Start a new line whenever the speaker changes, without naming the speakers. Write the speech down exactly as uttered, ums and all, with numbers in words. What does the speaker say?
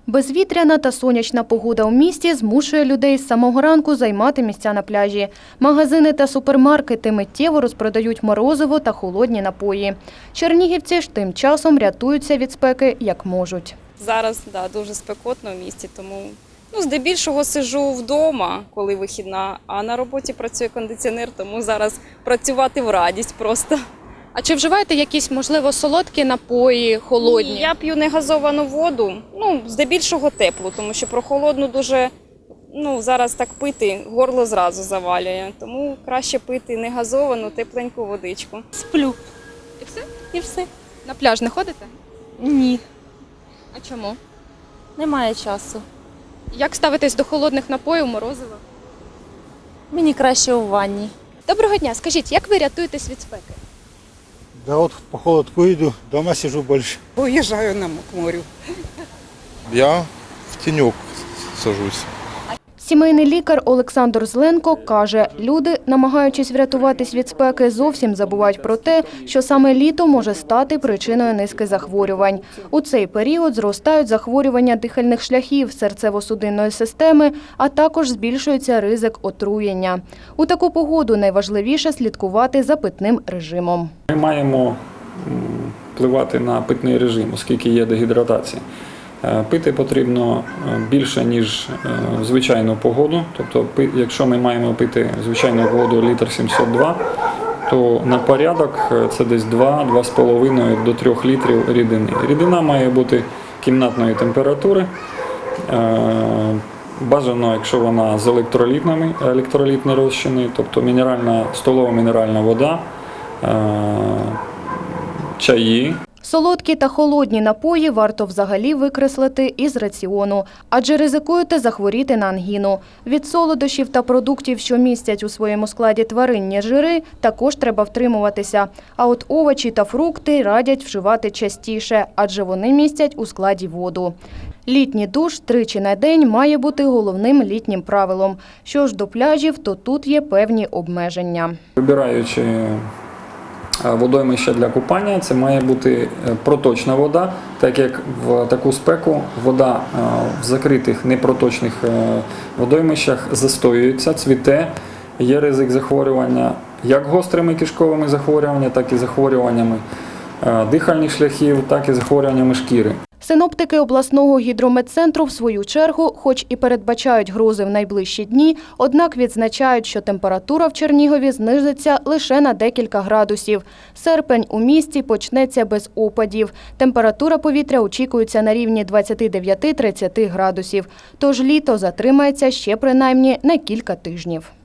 Безвітряна та сонячна погода у місті змушує людей з самого ранку займати місця на пляжі. Магазини та супермаркети миттєво розпродають морозиво та холодні напої. Чернігівці ж тим часом рятуються від спеки як можуть.
Зараз да, дуже спекотно в місті, тому ну, здебільшого сиджу вдома, коли вихідна, а на роботі працює кондиціонер, тому зараз працювати в радість просто.
А чи вживаєте якісь, можливо, солодкі напої, холодні?
Ні, я п'ю негазовану воду, ну, здебільшого теплу, тому що про холодну дуже, ну, зараз так пити, горло зразу завалює. Тому краще пити негазовану, тепленьку водичку.
Сплю.
І все?
І все.
На пляж не ходите?
Ні,
А чому?
немає часу.
Як ставитесь до холодних напоїв, морозива?
Мені краще у ванні.
Доброго дня. Скажіть, як ви рятуєтесь від спеки?
Да вот по холодку иду, дома сижу больше.
Уезжаю на к морю.
Я в тенек сажусь.
Сімейний лікар Олександр Зленко каже, люди, намагаючись врятуватись від спеки, зовсім забувають про те, що саме літо може стати причиною низки захворювань. У цей період зростають захворювання дихальних шляхів, серцево-судинної системи, а також збільшується ризик отруєння. У таку погоду найважливіше слідкувати за питним режимом.
Ми маємо впливати на питний режим, оскільки є дегідратація. Пити потрібно більше, ніж в звичайну погоду. Тобто, якщо ми маємо пити звичайну погоду літр сімсот два, то на порядок це десь два-два з половиною до трьох літрів рідини. Рідина має бути кімнатної температури. Бажано, якщо вона з електролітними, електролітні розчини, тобто мінеральна, столова мінеральна вода, чаї.
Солодкі та холодні напої варто взагалі викреслити із раціону, адже ризикуєте захворіти на ангіну. Від солодощів та продуктів, що містять у своєму складі тваринні жири, також треба втримуватися. А от овочі та фрукти радять вживати частіше, адже вони містять у складі воду. Літній душ тричі на день має бути головним літнім правилом. Що ж до пляжів, то тут є певні обмеження.
Вибираючи водоймище для купання, це має бути проточна вода, так як в таку спеку вода в закритих непроточних водоймищах застоюється, цвіте, є ризик захворювання як гострими кишковими захворюваннями, так і захворюваннями дихальних шляхів, так і захворюваннями шкіри.
Синоптики обласного гідрометцентру, в свою чергу, хоч і передбачають грози в найближчі дні, однак відзначають, що температура в Чернігові знизиться лише на декілька градусів. Серпень у місті почнеться без опадів. Температура повітря очікується на рівні двадцяти дев'яти - тридцяти градусів. Тож літо затримається ще принаймні на кілька тижнів.